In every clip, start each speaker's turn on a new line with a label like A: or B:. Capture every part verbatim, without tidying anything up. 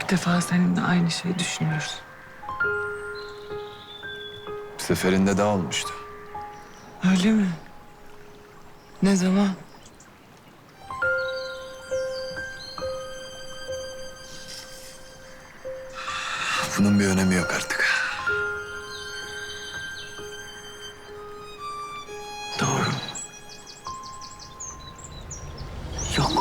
A: İlk defa seninle aynı şeyi düşünüyoruz.
B: Bir seferinde daha olmuştu.
A: Öyle mi? Ne zaman?
B: Bunun bir önemi yok artık.
A: Doğru. Yok.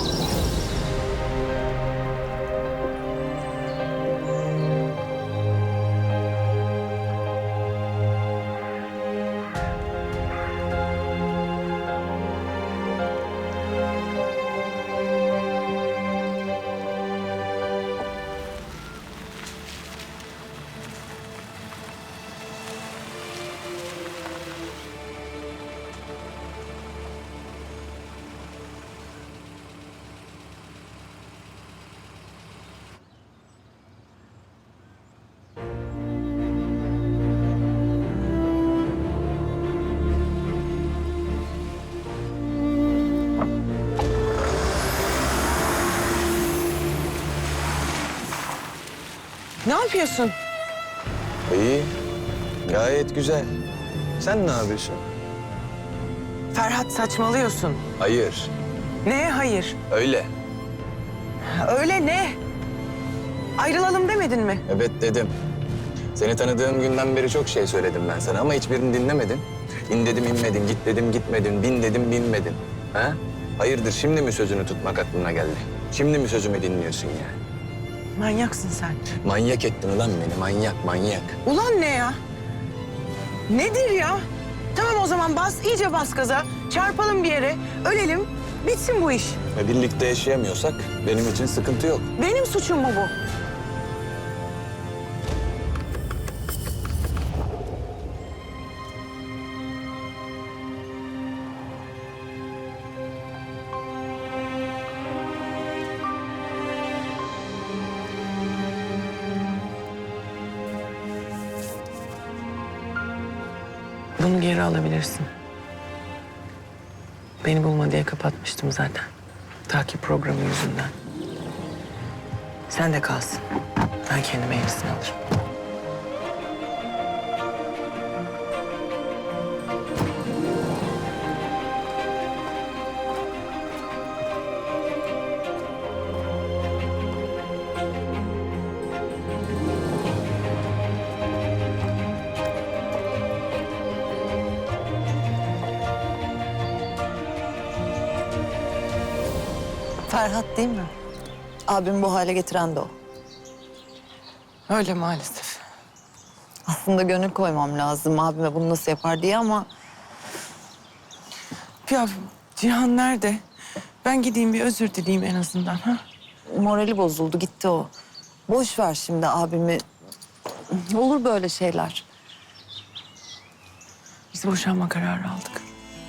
A: Ne yapıyorsun?
B: İyi. Gayet güzel. Sen ne yapıyorsun?
A: Ferhat, saçmalıyorsun.
B: Hayır.
A: Neye hayır?
B: Öyle.
A: Öyle ne? Ayrılalım demedin mi?
B: Evet dedim. Seni tanıdığım günden beri çok şey söyledim ben sana ama hiçbirini dinlemedin. İn dedim inmedin, git dedim gitmedin, bin dedim binmedin. Ha? Hayırdır şimdi mi sözünü tutmak aklına geldi? Şimdi mi sözümü dinliyorsun yani?
A: Manyaksın sen.
B: Manyak ettin ulan beni, manyak manyak.
A: Ulan ne ya? Nedir ya? Tamam o zaman bas, iyice bas gaza. Çarpalım bir yere, ölelim, bitsin bu iş.
B: Ve birlikte yaşayamıyorsak benim için sıkıntı yok.
A: Benim suçum mu bu? Bunu geri alabilirsin. Beni bulma diye kapatmıştım zaten. Takip programı yüzünden. Sen de kalsın. Ben kendime yenisini alırım.
C: Ferhat değil mi? Abim bu hale getiren de o.
A: Öyle maalesef.
C: Aslında gönül koymam lazım abime bunu nasıl yapar diye ama...
A: Ya Cihan nerede? Ben gideyim bir özür dileyeyim en azından. Ha?
C: morali bozuldu, gitti o. Boş ver şimdi abimi. Olur böyle şeyler.
A: Biz boşanma kararı aldık.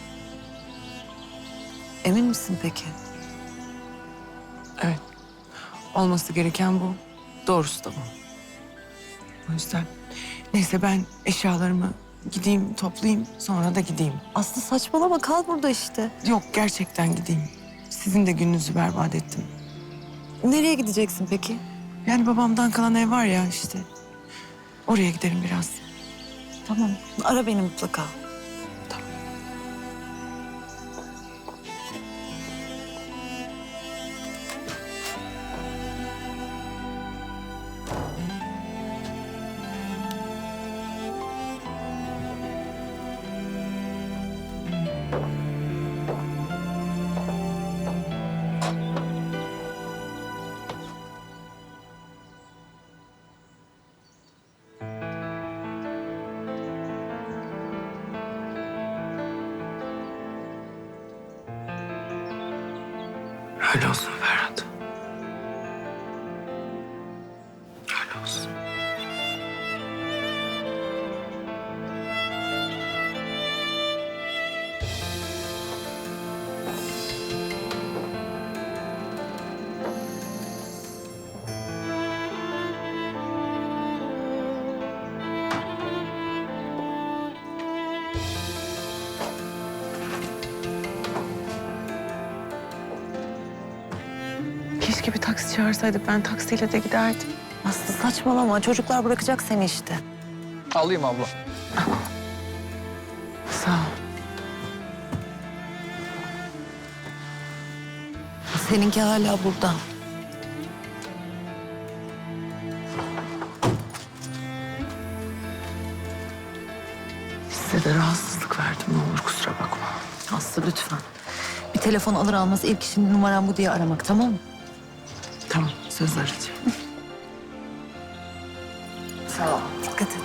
C: Emin misin peki?
A: Evet. Olması gereken bu. Doğrusu da bu. O yüzden neyse ben eşyalarımı gideyim toplayayım sonra da gideyim.
C: Aslı saçmalama, kal burada işte.
A: Yok gerçekten gideyim. Sizin de gününüzü berbat ettim.
C: Nereye gideceksin peki?
A: Yani babamdan kalan ev var ya işte. Oraya giderim biraz.
C: Tamam, ara beni mutlaka.
A: Öyle olsun Ferhat. Öyle olsun. Keşke bir taksi çağırsaydık. Ben taksiyle de giderdim.
C: Aslı saçmalama. Çocuklar bırakacak seni işte.
D: Alayım abla.
A: Sağ ol.
C: Seninki hala burada.
A: Size de rahatsızlık verdim. Ne olur kusura bakma.
C: Aslı lütfen. Bir telefon alır almaz ilk işin numaram bu diye aramak, tamam mı?
A: Tamam, söz arayacağım.
C: Sağ ol. Dikkat et.